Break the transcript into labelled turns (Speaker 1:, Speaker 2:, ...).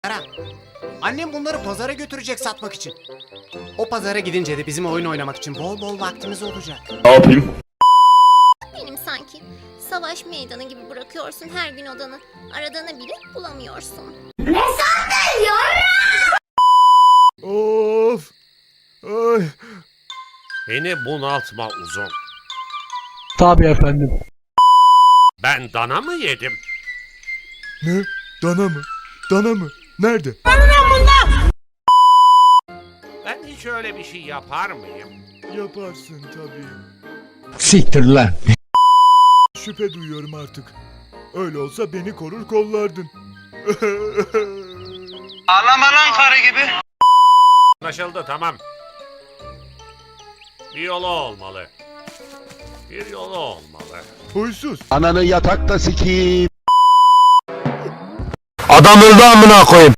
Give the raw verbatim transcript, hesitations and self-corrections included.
Speaker 1: Ara. Annem bunları pazara götürecek satmak için. O pazara gidince de bizim oyun oynamak için bol bol vaktimiz olacak.
Speaker 2: Ne yapayım?
Speaker 3: Benim sanki. Savaş meydanı gibi bırakıyorsun her gün odanı. Aradığını bile bulamıyorsun.
Speaker 4: Of! Ay!
Speaker 5: Beni bunaltma uzun.
Speaker 6: Tabii efendim.
Speaker 5: Ben dana mı yedim?
Speaker 4: Ne? Dana mı? Dana mı? Nerede?
Speaker 5: Ben hiç öyle bir şey yapar mıyım?
Speaker 4: Yaparsın tabii.
Speaker 6: Siktir lan.
Speaker 4: Şüphe duyuyorum artık. Öyle olsa beni korur kollardın.
Speaker 7: Ağlama lan karı gibi.
Speaker 5: Anlaşıldı, tamam. Bir yolu olmalı. Bir yolu olmalı.
Speaker 4: Huysuz.
Speaker 2: Ananı yatakta sikeyim.
Speaker 6: Adam öldü amına koyayım.